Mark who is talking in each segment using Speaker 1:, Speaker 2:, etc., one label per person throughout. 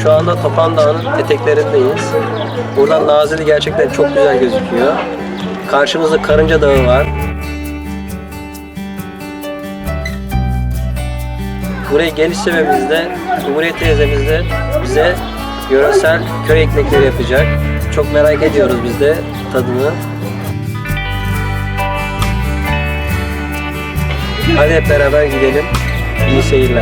Speaker 1: Şu anda Topan Dağı'nın eteklerindeyiz. Buradan Nazilli gerçekten çok güzel gözüküyor. Karşımızda Karınca Dağı var. Buraya geliş sebebimiz de Cumhuriyet teyzemiz de bize yöresel köy ekmekleri yapacak. Çok merak ediyoruz biz de tadını. Hadi hep beraber gidelim. İyi seyirler.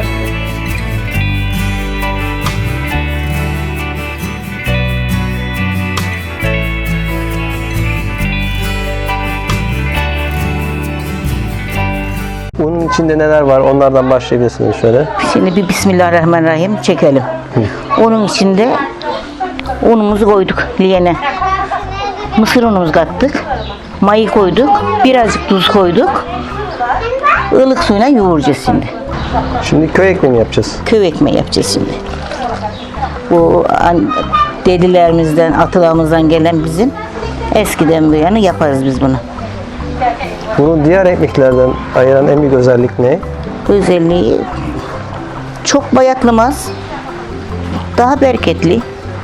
Speaker 1: Bunun içinde neler var? Onlardan başlayabilirsiniz şöyle.
Speaker 2: Şimdi bir Bismillahirrahmanirrahim çekelim. Onun içinde unumuzu koyduk liyene. Mısır unumuzu kattık. Mayı koyduk. Birazcık tuz koyduk. Ilık suyuna yoğuracağız şimdi.
Speaker 1: Şimdi köy ekmeği mi yapacağız?
Speaker 2: Köy ekmeği yapacağız şimdi. Bu dedilerimizden, atalarımızdan gelen bizim eskiden bu yana yaparız biz bunu.
Speaker 1: Bunu diğer ekmeklerden ayıran en büyük özellik ne?
Speaker 2: Özelliği çok bayatlamaz. Daha bereketli.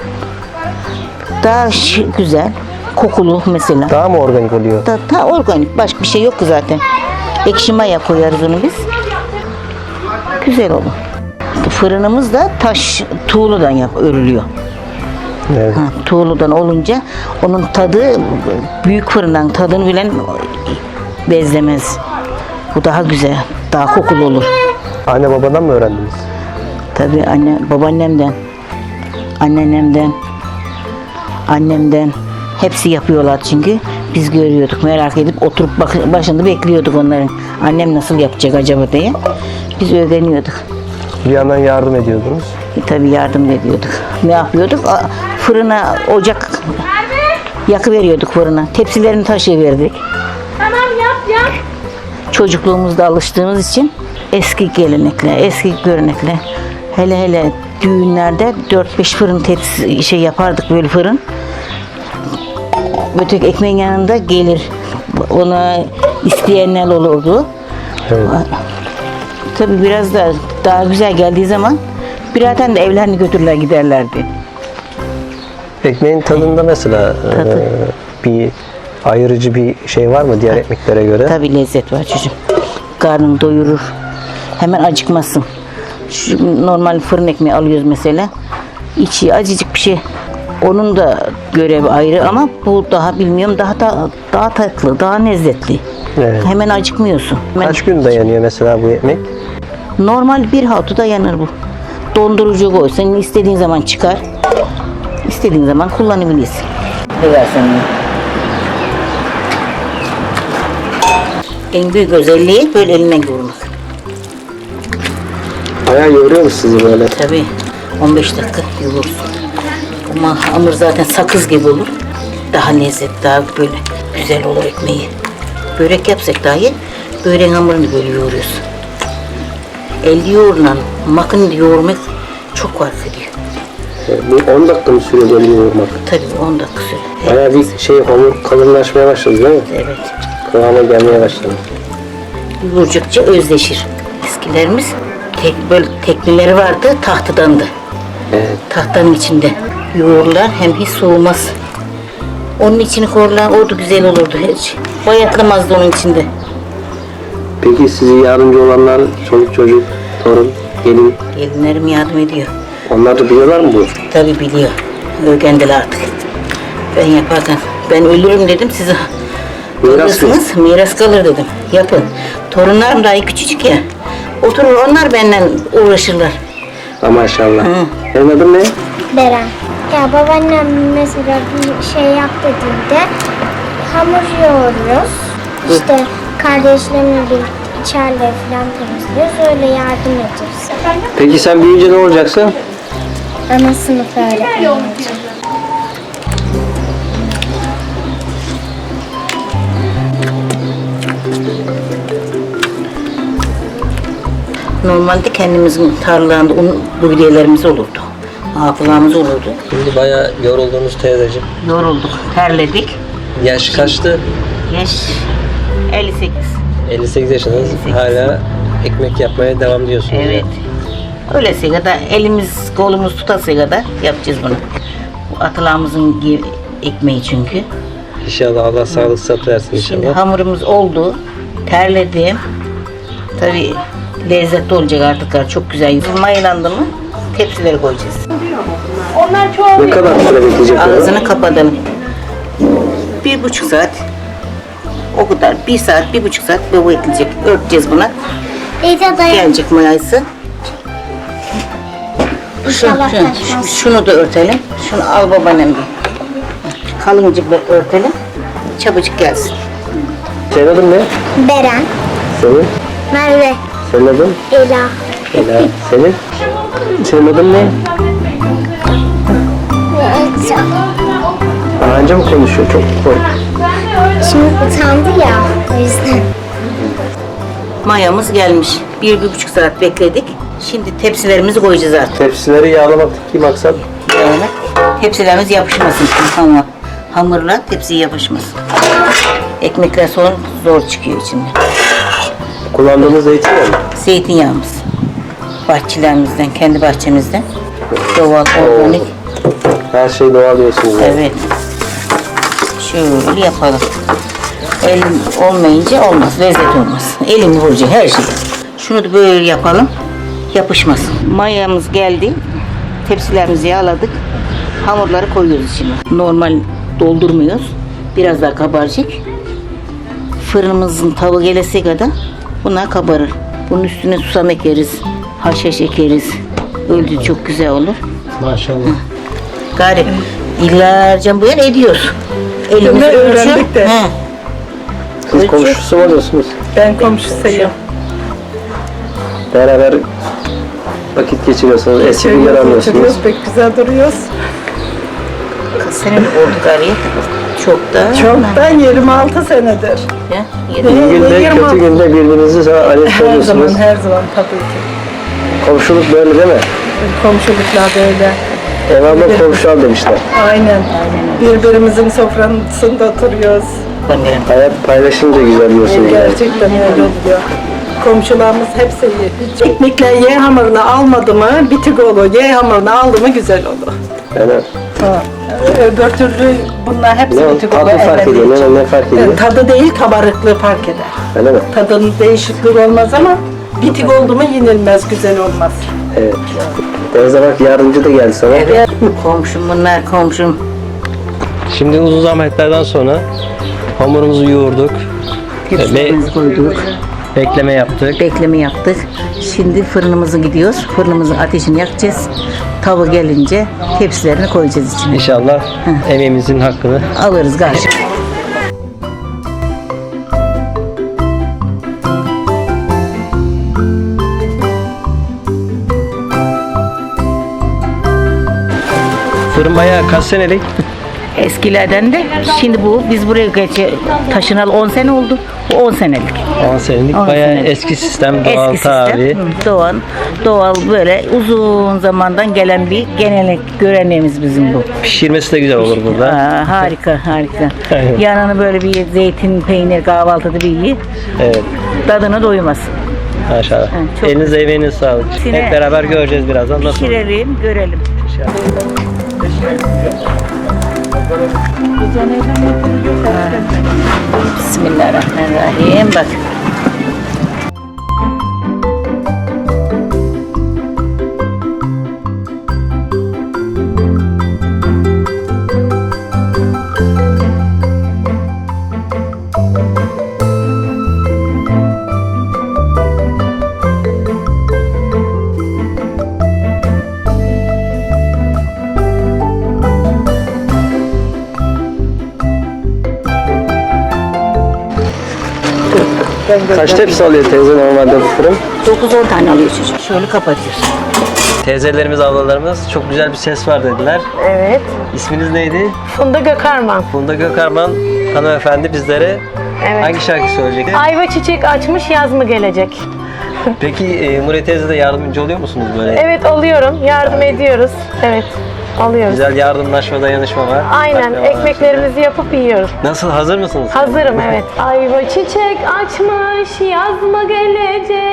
Speaker 2: Daha güzel. Kokulu mesela.
Speaker 1: Daha mı organik oluyor?
Speaker 2: Daha organik. Başka bir şey yok ki zaten. Ekşi maya koyarız onu biz. Güzel olur. Fırınımız da taş tuğludan örülüyor.
Speaker 1: Evet.
Speaker 2: Tuğludan olunca onun tadı büyük fırından tadını bilen bezlemez. Bu daha güzel. Daha kokulu olur.
Speaker 1: Anne babadan mı öğrendiniz?
Speaker 2: Tabii babaannemden, anneannemden, annemden hepsi yapıyorlar çünkü biz görüyorduk, merak edip oturup başında bekliyorduk onların. Annem nasıl yapacak acaba diye. Biz öğreniyorduk.
Speaker 1: Bir yandan yardım ediyordunuz.
Speaker 2: Tabii yardım ediyorduk. Ne yapıyorduk? Fırına ocak yakıveriyorduk fırına. Tepsilerini taşıyıverdik.
Speaker 3: Tamam yap.
Speaker 2: Çocukluğumuzda alıştığımız için eski gelenekler, eski görenekler. Hele düğünlerde 4-5 fırın tepsi yapardık böyle fırın. Öteki ekmeğin yanında gelir. Ona isteyenler olurdu.
Speaker 1: Evet.
Speaker 2: Tabii biraz daha güzel geldiği zaman biraden de evlerini götürürler giderlerdi.
Speaker 1: Ekmeğin tadında mesela bir ayırıcı bir şey var mı diğer ekmeklere göre?
Speaker 2: Tabii lezzet var çocuğum. Karnını doyurur. Hemen acıkmasın. Şu normal fırın ekmeği alıyoruz mesela. İçi acıcık bir şey. Onun da görevi ayrı ama bu daha bilmiyorum daha tatlı, daha lezzetli.
Speaker 1: Evet.
Speaker 2: Hemen acıkmıyorsun.
Speaker 1: Kaç gün dayanıyor mesela bu ekmek?
Speaker 2: Normal bir hafta dayanır bu. Dondurucu koy. Senin istediğin zaman çıkar. İstediğin zaman kullanabilirsin. Versen en büyük özelliği böyle eline yoğurmak.
Speaker 1: Bayağı yoruyor musunuz böyle?
Speaker 2: Tabii 15 dakika yoğurursun. Ama hamur zaten sakız gibi olur. Daha lezzetli, daha böyle güzel olur ekmeği. Börek yapsak dahi böreğin hamurunu böyle yoğuruyorsun. El yoğurulan, makinede yoğurmak çok fark ediyor.
Speaker 1: Bu 10 dakika mı sürüyor böyle yoğurmak?
Speaker 2: Tabii 10 dakika sürüyor.
Speaker 1: Bayağı bir hamur kalınlaşmaya başladı değil mi?
Speaker 2: Evet.
Speaker 1: Kıvama gelmeye başladı.
Speaker 2: Yoğurdukça özleşir. Eskilerimiz böyle tekneleri vardı, tahtadandı.
Speaker 1: Evet.
Speaker 2: Tahtanın içinde yoğururlar, hem hiç soğumaz. Onun içini korlar, o da güzel olurdu hiç. Bayatlamazdı onun içinde.
Speaker 1: Peki size yardımcı olanlar, çoluk çocuk, torun, gelin,
Speaker 2: Gelinlerim yardım ediyor.
Speaker 1: onlar da biliyorlar mı bu?
Speaker 2: Tabii biliyor. Öğrendiler artık. Ben yaparken, ben ölürüm dedim, size alırsınız, miras kalır dedim. Yapın. Torunlarım daha küçücük ya. Oturur onlar benden uğraşırlar.
Speaker 1: Maşallah. Senin adın ne?
Speaker 3: Beren. Ya babaannem mesela bir şey yap dediğinde hamur yoğuruyoruz. İşte kardeşlerimle birlikte içeride falan temizliyoruz. Öyle yardım ediyoruz.
Speaker 1: Peki sen büyüyünce ne olacaksın?
Speaker 3: Ana sınıf öğretmeni olacağım.
Speaker 2: Normalde kendimizin tarlalarında buğdaylarımız olurdu. Hafızalarımız olurdu.
Speaker 1: Şimdi bayağı yoruldunuz teyzeciğim.
Speaker 2: Yorulduk, terledik.
Speaker 1: Yaş kaçtı?
Speaker 2: Yaş 58.
Speaker 1: 58 yaşındasınız. Hala ekmek yapmaya devam diyorsunuz.
Speaker 2: Evet. Öylesi kadar elimiz kolumuz tutasıya kadar yapacağız bunu. Bu atılağımızın ekmeği çünkü.
Speaker 1: İnşallah Allah sağlık sıhhat versin
Speaker 2: Şimdi
Speaker 1: inşallah.
Speaker 2: hamurumuz oldu. Terledim. Tabii lezzetli olacak artık. Çok güzel. Mayalandı mı tepsilere koyacağız.
Speaker 1: Ne kadar süre bekleyecek?
Speaker 2: Ağzını kapatalım. 1,5 saat. O kadar. 1 saat, 1,5 saat bu bekleyecek. Örteceğiz buna.
Speaker 3: Teyze dayan.
Speaker 2: Gelecek mayası.
Speaker 3: İnşallah taşmaz.
Speaker 2: Şunu da örtelim. Şunu al babaannem bir. Kalınca örtelim. Çabucak gelsin.
Speaker 1: Senin adın ne?
Speaker 3: Beren,
Speaker 1: Senin?
Speaker 3: Merve,
Speaker 1: Senin adın?
Speaker 3: Ela.
Speaker 1: Ela. Senin? Senin adın ne? Daha önce mi konuşuyor? Çok kork.
Speaker 3: Şimdi utandı ya, o yüzden.
Speaker 2: Mayamız gelmiş. 1,5 saat bekledik. Şimdi tepsilerimizi koyacağız artık.
Speaker 1: Tepsileri yağlamaktaki maksat
Speaker 2: Yani tepsilerimiz yapışmasın. Hamurla tepsiye yapışmasın. Ekmekler sonra zor çıkıyor içinde.
Speaker 1: kullandığımız zeytinyağı mı?
Speaker 2: Zeytinyağımız. Bahçelerimizden, kendi bahçemizden. Doğal, organik.
Speaker 1: Her şey doğal diyorsunuz. Yani.
Speaker 2: Evet. Şöyle yapalım. Elim olmayınca olmaz, lezzet olmaz. Elimi vuracak her şey. Şunu da böyle yapalım, yapışmasın. Mayamız geldi. Tepsilerimizi yağladık. Hamurları koyuyoruz içine. Normal doldurmuyoruz. Biraz daha kabaracak. Fırınımızın tavuğu gelesi kadar bunlar kabarır. Bunun üstüne susam ekeriz, haşhaş ekeriz. Öyle çok güzel olur.
Speaker 1: Maşallah.
Speaker 2: Gari yıllarca bu yana ediyoruz. Elimiz
Speaker 4: Öyle
Speaker 2: ölçü.
Speaker 4: öğrendik de.
Speaker 2: He.
Speaker 1: Siz komşusu mu oluyorsunuz?
Speaker 4: Ben komşusuyum.
Speaker 1: Beraber vakit geçiriyorsunuz, eski günler anlıyorsunuz.
Speaker 4: Oturuyoruz, pek güzel duruyoruz.
Speaker 2: Kaç sene mi oldu gariye? Çok da.
Speaker 4: Çoktan 26 senedir.
Speaker 2: Ya,
Speaker 1: İyi günde,
Speaker 4: 26.
Speaker 1: kötü günde birbirinizi arayıp
Speaker 4: Her zaman,
Speaker 1: soruyorsunuz.
Speaker 4: her zaman tabii ki.
Speaker 1: Komşuluk böyle değil mi?
Speaker 4: Komşuluklar böyle.
Speaker 1: Devamlı komşu al demişler.
Speaker 4: Aynen. Birbirimizin sofrasında oturuyoruz.
Speaker 1: Hayat paylaşınca güzel diyorsunuz. Yani.
Speaker 4: Gerçekten öyle oluyor. Komşularımız hepsi iyi. Ekmekler Y hamurunu almadı mı bitik olur. Y hamurunu aldı mı güzel olur.
Speaker 1: Yani,
Speaker 4: Ha. Öbür türlü bunlar hepsi
Speaker 1: ne
Speaker 4: bitik olur.
Speaker 1: tadı fark ediyor, ne fark ediyor?
Speaker 4: Tadı değil, kabarıklığı fark eder.
Speaker 1: Öyle mi?
Speaker 4: Tadının değişikliği olmaz ama bitik oldu mu yenilmez, güzel olmaz.
Speaker 1: Evet. Teyze bak yardımcı da geldi sana.
Speaker 2: Evet. Komşum bunlar komşum.
Speaker 1: Şimdi uzun zahmetlerden sonra hamurumuzu yoğurduk.
Speaker 2: Tepsilerimizi koyduk.
Speaker 1: Bekleme yaptık.
Speaker 2: Bekleme yaptık. Şimdi fırınımıza gidiyoruz. Fırınımızın ateşini yakacağız. Tava gelince tepsilerini koyacağız içine.
Speaker 1: İnşallah emeğimizin hakkını.
Speaker 2: Alırız galiba.
Speaker 1: Fırın bayağı kaç senelik?
Speaker 2: Eskilerden de şimdi bu biz buraya taşınalı 10 sene oldu. Bu 10 senelik.
Speaker 1: 10 senelik.
Speaker 2: 10
Speaker 1: Bayağı
Speaker 2: senelik.
Speaker 1: eski sistem, doğal
Speaker 2: Eski sistem.
Speaker 1: tarihi.
Speaker 2: Doğal böyle uzun zamandan gelen bir gelenek göreneğimiz bizim bu.
Speaker 1: Pişirmesi de güzel olur burada.
Speaker 2: Harika harika.
Speaker 1: Aynen.
Speaker 2: Yanını böyle bir zeytin, peynir, kahvaltıda bir iyi.
Speaker 1: Evet.
Speaker 2: Tadına doymaz.
Speaker 1: Maşallah.
Speaker 2: çok
Speaker 1: Elinize emeğinize sağlık.
Speaker 2: Yine-
Speaker 1: Hep beraber göreceğiz birazdan nasıl olur.
Speaker 2: Pişirelim, görelim. Bismillahirrahmanirrahim. Bak.
Speaker 1: Kaç tepsi alıyor teyze normalde bu fırın?
Speaker 2: 9-10 tane alıyor çocuk. Şöyle kapatıyorsun.
Speaker 1: Teyzelerimiz, ablalarımız çok güzel bir ses var dediler.
Speaker 5: Evet.
Speaker 1: İsminiz neydi?
Speaker 5: Funda Gökarman.
Speaker 1: Funda Gökarman hanımefendi bizlere
Speaker 5: Evet.
Speaker 1: hangi şarkı söyleyecek?
Speaker 5: Ayva çiçek açmış, yaz mı gelecek?
Speaker 1: Peki Murat teyze de yardımcı oluyor musunuz böyle?
Speaker 5: Evet, oluyorum. Yardım ediyoruz. Evet, alıyoruz.
Speaker 1: Güzel yardımlaşma, dayanışma var.
Speaker 5: Aynen.
Speaker 1: Akrabalar
Speaker 5: Ekmeklerimizi yapıp yiyoruz.
Speaker 1: arasında. Nasıl, hazır mısınız?
Speaker 5: Hazırım, evet. Ayva çiçek açmış, yaz mı gelecek?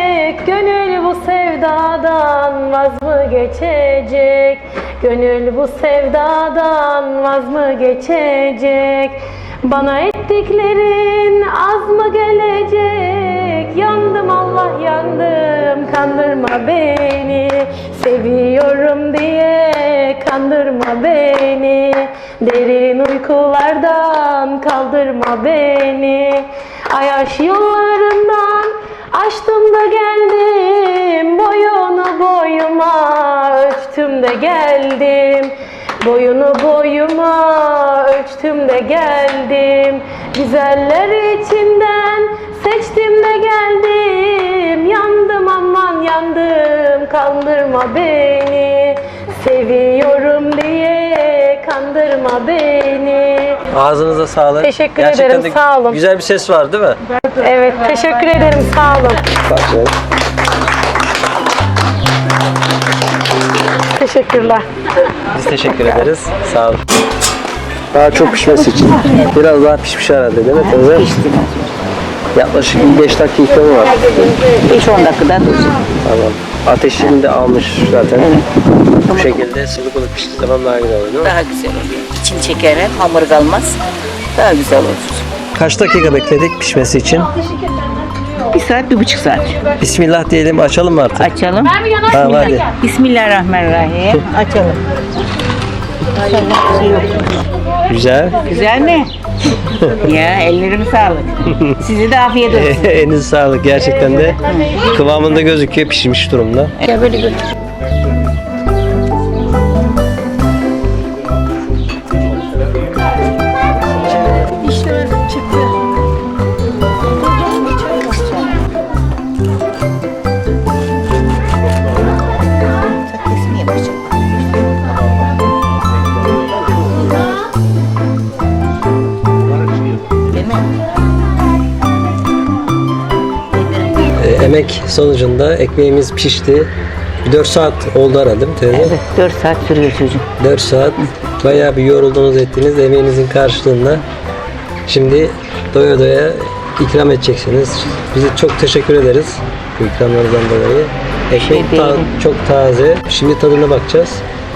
Speaker 5: Gönül bu sevdadan vaz mı geçecek? Gönül bu sevdadan vaz mı geçecek? Bana ettiklerin az mı gelecek? Yandım Allah yandım, kandırma beni. Seviyorum diye kandırma beni. Derin uykulardan kaldırma beni. Ayaş yollarından açtım da geldim. Boyunu boyuma ölçtüm de geldim. Boyunu boyuma ölçtüm de geldim. Güzeller içinden seçtim de geldim. Yandım aman yandım, kandırma beni. Seviyorum diye kandırma beni.
Speaker 1: Ağzınıza sağlık.
Speaker 5: Teşekkür
Speaker 1: Gerçekten
Speaker 5: ederim,
Speaker 1: de
Speaker 5: sağ olun.
Speaker 1: Güzel bir ses var değil mi?
Speaker 5: Evet, teşekkür ederim, sağ olun.
Speaker 1: Bak şöyle.
Speaker 5: Teşekkürler.
Speaker 1: Biz teşekkür ederiz. Sağ olun. Daha çok pişmesi için biraz daha pişmiş herhalde değil mi teyze?
Speaker 2: Pişti.
Speaker 1: Yaklaşık 5 dakika ikramı var.
Speaker 2: 5-10 dakikada dursun.
Speaker 1: Tamam. Ateşini de almış zaten. Bu şekilde sıvı balık piştiği zaman daha güzel oluyor.
Speaker 2: Daha güzel oluyor. İçini çeker hem hamur kalmaz. Daha güzel olur.
Speaker 1: Kaç dakika bekledik pişmesi için?
Speaker 2: 1 saat, 1,5 saat.
Speaker 1: Bismillah diyelim, açalım mı artık?
Speaker 2: Açalım.
Speaker 1: Tamam hadi.
Speaker 2: Bismillahirrahmanirrahim. Açalım.
Speaker 1: Güzel.
Speaker 2: Güzel mi? Ya ellerime sağlık. Size de afiyet olsun.
Speaker 1: Elinize sağlık. Gerçekten de kıvamında gözüküyor, pişmiş durumda.
Speaker 2: Ya böyle götür.
Speaker 1: Emek sonucunda ekmeğimiz pişti. 4 saat oldu herhalde değil mi teyze?
Speaker 2: Evet, 4 saat sürüyor çocuğum.
Speaker 1: 4 saat. Bayağı bir yoruldunuz ettiniz emeğinizin karşılığında. Şimdi doya doya ikram edeceksiniz. Bize çok teşekkür ederiz bu ikramlardan dolayı. Ekmek
Speaker 2: değil.
Speaker 1: çok taze. Şimdi tadına bakacağız.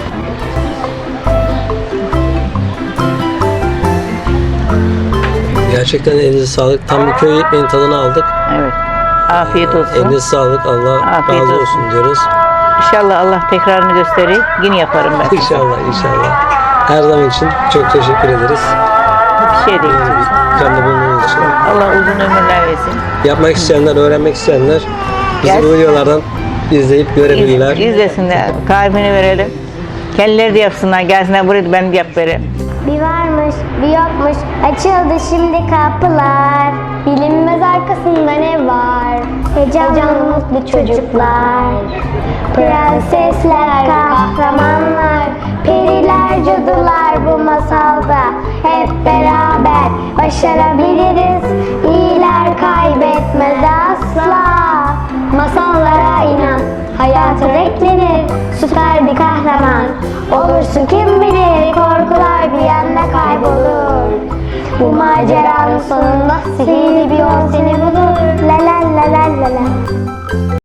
Speaker 1: Gerçekten elinize sağlık. Tam bir köy ekmeğinin tadını aldık.
Speaker 2: Evet. Afiyet olsun.
Speaker 1: Elinize sağlık. Allah
Speaker 2: Afiyet
Speaker 1: razı
Speaker 2: olsun.
Speaker 1: olsun diyoruz.
Speaker 2: İnşallah Allah tekrarını gösterir. Yine yaparım ben.
Speaker 1: İnşallah, inşallah. Her zaman için çok teşekkür ederiz.
Speaker 2: Bir şey değil.
Speaker 1: İkramda bulunduğunuz için.
Speaker 2: Allah uzun ömürler versin.
Speaker 1: Yapmak isteyenler, öğrenmek isteyenler bizi bu videolardan izleyip görebilirler.
Speaker 2: İzlesinler. Tarifini verelim. Kendileri de yapsınlar. Gelsinler buraya ben de yap vereyim.
Speaker 3: Bir varmış, bir yokmuş, açıldı şimdi kapılar. Bilinmez arkasında ne var? Heyecanlı mutlu çocuklar. Prensesler, kahramanlar, periler, cadılar bu masalda. Hep beraber başarabiliriz. İyiler kaybetmez asla. Masallara inan, hayata beklenir. Süper bir kahraman olursun kim bilir. Korkular bir anda kaybolur. Bu maceranın sonunda sihirli bir yol seni bulur. La la la la la la.